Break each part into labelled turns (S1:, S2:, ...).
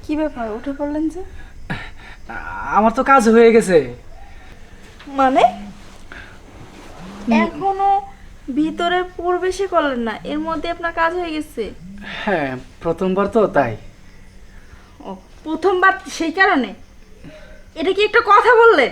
S1: কি ব্যাপার উঠে পড়লেন যে?
S2: আমার তো কাজ হয়ে গেছে।
S1: মানে এখনো ভিতরে প্রবেশই করলেন না, এর মধ্যে আপনার কাজ হয়ে গেছে?
S2: হ্যাঁ, প্রথমবার তো তাই।
S1: ও, প্রথমবার সেই কারণে? এটা কি একটা কথা বললেন?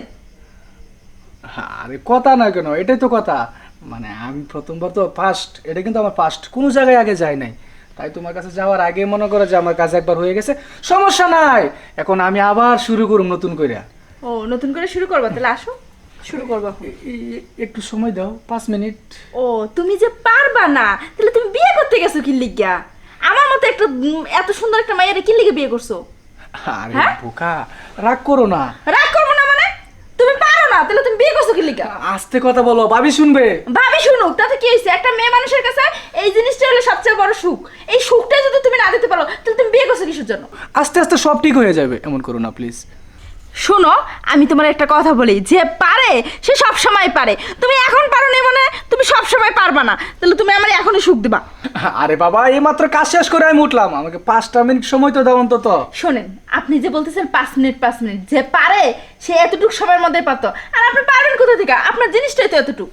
S2: আরে কথা না কেন, এটাই তো কথা। মানে আমি প্রথমবার তো ফার্স্ট, এটা কিন্তু আমার ফার্স্ট, কোনো জায়গায় আগে যাই নাই। তাই তোমার কাছে যাওয়ার আগে মনে করো যে আমার কাজ একবার হয়ে গেছে, সমস্যা নাই। এখন আমি আবার শুরু করব নতুন করে।
S1: ও, নতুন করে শুরু করবা? তাহলে আসো, শুরু করবো এখন।
S2: একটু সময় দাও, 5 মিনিট।
S1: ও, তুমি যে পারবা না, তাহলে তুমি বিয়ে করতে গেছো কি লিগা? আমার মতো একটা এত সুন্দর একটা মাইয়ারে কি লিগে বিয়ে করছো?
S2: আরে
S1: হ্যাঁ?
S2: বোকা, রাগ করো না।
S1: রাগ করবো না মানে? তুমি পারো না, তাহলে তুমি বিয়ে করছো কি লিগা?
S2: আস্তে কথা বলো, ভাবি শুনবে।
S1: ভাবি শুনুক, তাতে কি হয়েছে? একটা মেয়ে মানুষের কাছে এই জিনিসটা হলো সবচেয়ে বড় সুখ। এই সুখটা যদি তুমি না দিতে পারো, তাহলে তুমি বিয়ে করছো কিসের জন্য?
S2: আস্তে আস্তে সব ঠিক হয়ে যাবে, এমন করো না প্লিজ।
S1: শোনো, আমি তোমার একটা কথা বলি, যে পারে সে সব সময় পারে। তুমি এখন পারো না মানে তুমি সব সময় পারবা না, তাহলে তুমি আমার এখনই সুখ দিবা।
S2: আরে বাবা, এই মাত্র কাজ শেষ করে আমি উঠলাম, আমাকে 5টা মিনিট সময় তো দাও অন্তত।
S1: শোনেন, আপনি যে বলতেছেন 5 মিনিট 5 মিনিট, যে পারে সে এতটুকু সময়ের মধ্যে পারতো, আর আপনি পারবেন কোথা থেকে? আপনার জিনিসটাই তো এতটুকু।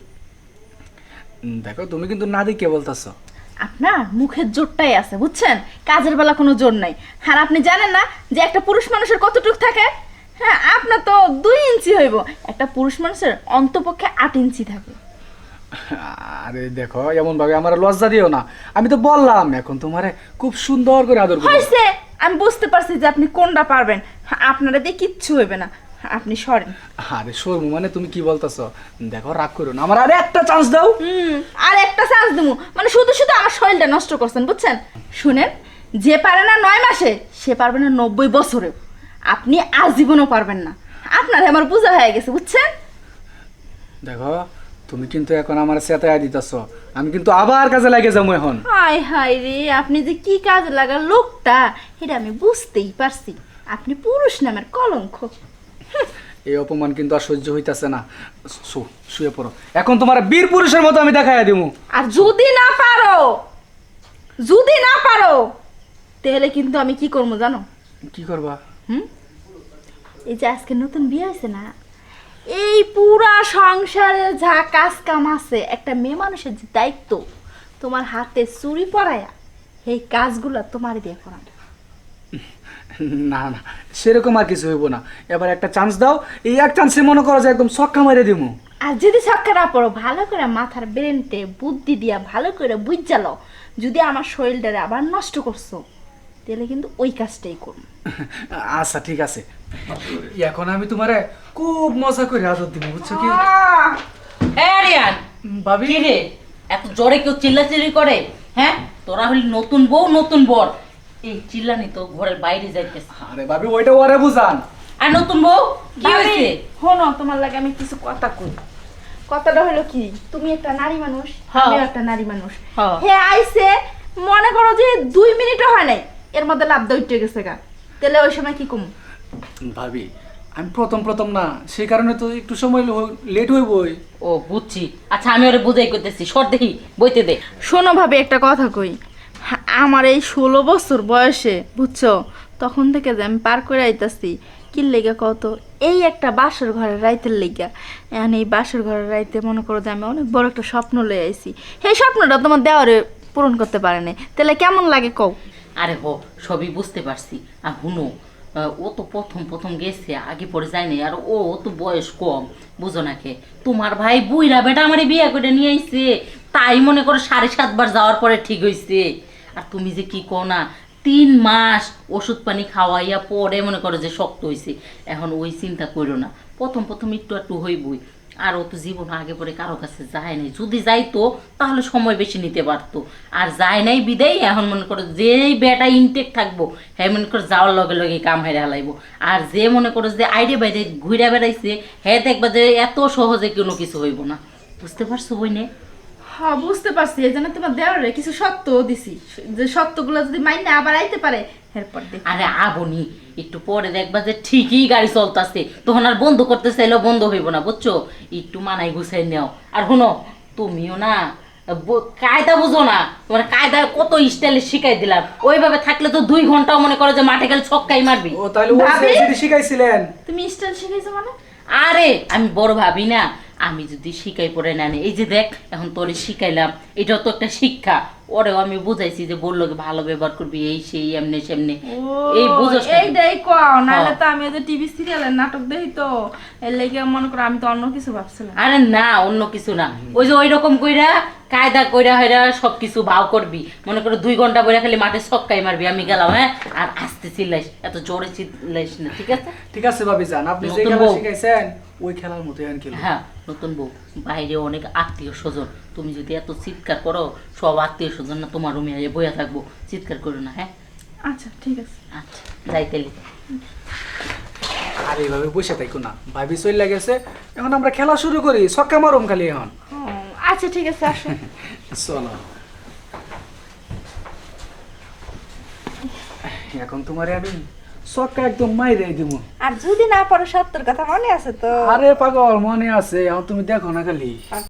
S2: দেখো, তুমি কিন্তু না দিকে বলতেছো।
S1: আপনার মুখের জোরটাই আছে, বুঝছেন? কাজের বেলা কোনো জোর নাই। আর আপনি জানেন না যে একটা পুরুষ মানুষের কতটুকু থাকে? হ্যাঁ, আপনার তো 2 ইঞ্চি হইব, একটা পুরুষ মানুষের অন্তপক্ষে 8 ইঞ্চি থাকে।
S2: আরে দেখো, এমন ভাবে আমার লজ্জা দিও না। আমি তো বললাম এখন তোমারে খুব সুন্দর করে আদর করব।
S1: হয়েছে, আমি বুঝতে পারছি যে আপনি কোনটা পারবেন। আপনারা দিয়ে কিচ্ছু হইবে না, আপনি সরেন।
S2: আরে শর্মু, মানে তুমি কি বলতেছো? দেখো, রাগ করো না, আমার আরে একটা চান্স দাও।
S1: আর একটা চান্স দেবো মানে শুধু শুধু আমার শরীরটা নষ্ট করছেন, বুঝছেন? শুনেন, যে পারে না 9 মাসে, সে পারবে না 90 বছরেও। আপনি আজীবনও পারবেন না। আপনার আমার বোঝা হয়ে গেছে, বুঝছেন?
S2: দেখো, তুমি কিন্তু এখন আমার চেতায়া দিতেছো, আমি কিন্তু আবার কাজে লাগে যাবো এখন।
S1: হায় হায় রে, আপনি যে কি কাজে লাগা লোকটা, এটা আমি বুঝতেই পারছি। আপনি পুরুষ নামের কলঙ্ক।
S2: এই অপমান কিন্তু আর সহ্য হইতাছে না। শুয়ে পড়ো, এখন তোমার বীর পুরুষের মতো আমি দেখাইয়া দিমু।
S1: আর যদি না পারো, যদি না পারো, তাহলে কিন্তু আমি কি করবো জানো?
S2: কি করবা?
S1: এই যে আজকে নতুন বিয়ে হয়েছে না, এই পুরা সংসারে যা কাজ কাম আছে, একটা মেয়ে মানুষের যে দায়িত্ব, তোমার হাতে চুরি পরায়া এই কাজগুলো তোমার দিয়ে করানো।
S2: না না, সেরকম আর কিছু হইব না। এবার একটা চান্স দাও, এই এক চান্সে মনে করো যে একদম ছক্কা মেরে দিমু।
S1: আর যদি ছক্কা না পড়ো, ভালো করে মাথার ব্রেনটে বুদ্ধি দিয়া ভালো করে বুঝালো, যদি আমার শরীরটারে আবার নষ্ট করছো, তাহলে কিন্তু ওই কাজটাই করবো।
S2: আচ্ছা ঠিক আছে, এখন আমি তোমারে খুব মজা করে আদর দিব, বুঝছো কি?
S3: রিয়ান,
S2: ভাবি
S3: কি রে, এত জোরে কেউ চিল্লাচিল্লি করে? হ্যাঁ, তোরা হলি নতুন বউ নতুন বর, এই চিল্লানি তো ঘরের বাইরে যাইতেছে।
S2: আরে ভাবি, ওইটা ওরে বুঝান।
S3: আর নতুন বউ কি হয়েছে?
S1: শোনো, তোমার লাগে আমি কিছু কথা কই। কথাটা হলো কি, তুমি একটা নারী মানুষ,
S3: হ্যাঁ।
S1: আমিও একটা নারী মানুষ।
S3: হ্যাঁ।
S1: হে আইছে, মনে করো যে 2 মিনিটও হয় নাই, এর মধ্যে লাভ দইটে গেছে গা, তাহলে ওই সময় কি কম?
S2: ভাবি, আমি প্রথম প্রথম না, সেই কারণে তো একটু সময় লেট হইবই।
S3: ও বুঝছি, আচ্ছা আমি ওরে বুঝাই করতেছি, সর দেখি বইতে দে।
S1: শোনো ভাবে, একটা কথা কই। আমার এই 16 বছর বয়সে, বুঝছো, তখন থেকে যে আমি পার করে আইতাছি, কি লেগে কত, এই একটা বাসর ঘরের রাইতের লেগা। এখন এই বাসর ঘরের রাইতে মনে করো যে আমি অনেক বড় একটা স্বপ্ন লয়ে আইছি, সেই স্বপ্নটা তোমার দেওয়ারে পূরণ করতে পারে না, তাহলে কেমন লাগে কও?
S3: আরে হো, সবই বুঝতে পারছি। আর হুনো, ও তো প্রথম প্রথম গেছে, আগে পরে যায়নি, আর ও তো বয়স কম, বুঝো নাকি? তোমার ভাই বুইরা বেটা আমারে বিয়ে করে নিয়ে আইছে, তাই মনে করো 7.5 বার যাওয়ার পরে ঠিক হইছে। আর তুমি যে কি কও না, 3 মাস ওষুধ পানি খাওয়াইয়া পরে মনে করো যে শক্ত হইছে। এখন ওই চিন্তা করো না, প্রথম প্রথম একটু একটু হইবই। আর ও তো জীবন আগে পরে কারো কাছে যায় নাই, যদি যাইতো তাহলে সময় বেশি নিতে পারতো। আর যায় নাই বিদায় এখন মনে করো যেই বেটা ইনটেক থাকবো, হ্যাঁ মনে করো যাওয়ার লগে লগে কাম হেরে হালাইবো। আর যে মনে করো যে আইডে বাইরে ঘুরে বেড়াইছে, হ্যাঁ দেখবা যে এত সহজে কোনো কিছু হইব না। বুঝতে পারছো বইনে?
S1: হ্যাঁ, বুঝতে পারছি, এই জন্য তোমার দেওয়ারে কিছু সত্য দিছি, যে সত্যগুলো যদি মাইনে আবার আইতে পারে এরপর দেখ।
S3: আরে আবনি, একটু পরে দেখবা যে ঠিকই গাড়ি চলতেছে, তখন আর বন্ধ করতে চাইলেও বন্ধ হইব না, বুঝছো? একটু মানাই গুছাই নেও। আর শুনো, তুমিও না কায়দা বুঝো না, তোমার কায়দা কত স্টাইলে শিখাই দিলাম, ওইভাবে থাকলে তো 2 ঘন্টাও মনে করো যে মাঠে গেলে ছক্কাই মারবি।
S2: ও তাহলে ওই
S1: ভাবি?
S2: যেটা শিখাইছিলেন
S1: তুমি স্টাইল শিখাইছো মানে?
S3: আরে আমি বড় ভাবি না, আমি যদি শিখাই পড়ে না নি, এই যে দেখ এখন তোরে শিখাইলাম, এটাও তো একটা শিক্ষা। ওরেও আমি বুঝাইছি যে বললো কি ভালো ব্যবহার করবি, এই সেই এমনি সেমনি, এই বুঝোস না?
S1: এইটাই কও, নাহলে
S3: হ্যাঁ।
S1: তো আমি ওই যে টিভি সিরিয়ালের নাটক দেখি তো, এর লেগে মনে করো আমি তো অন্য কিছু ভাবছিলাম।
S3: আরে না, অন্য কিছু না, ওই যে ওই রকম কইরা কায়দা কইরা হইরা সবকিছু ভাও করবি, মনে করো 2 ঘন্টা বইরা খালি মাঠে ছক্কাই মারবি, আমি গেলাম, হ্যাঁ, আর আস্তে চিল্লাইস, এত জোরে চিল্লাইস না, ঠিক আছে?
S2: ঠিক আছে ভাবি যান, আপনি যে
S3: নতুন
S2: খেলা
S3: বউ।
S2: শিখাইছেন ওই খেলার মতোই আর খেলবো।
S3: হ্যাঁ, নতুন বউ, বাইরে অনেক আত্মীয় স্বজন, তুমি যদি এত চিৎকার করো, সব আত্মীয় স্বজন না তোমার রুমে বইয়া থাকবো, চিৎকার করো না, হ্যাঁ?
S1: আচ্ছা ঠিক আছে।
S3: আচ্ছা, যাই তাইলে।
S2: আর এইভাবে বসে থাকো না, ভাবি চলে গেছে, এখন আমরা খেলা শুরু করি, ছক্কা মারুম খালি এখন।
S1: আচ্ছা ঠিক আছে, আসো।
S2: চলো এখন তোমারে আমি ছক্কা একদম মাইরে দিব।
S1: আর যদি না পারো সত্যর কথা মনে আছে তো?
S2: আরে পাগল মনে আছে, এখন তুমি দেখো না খালি।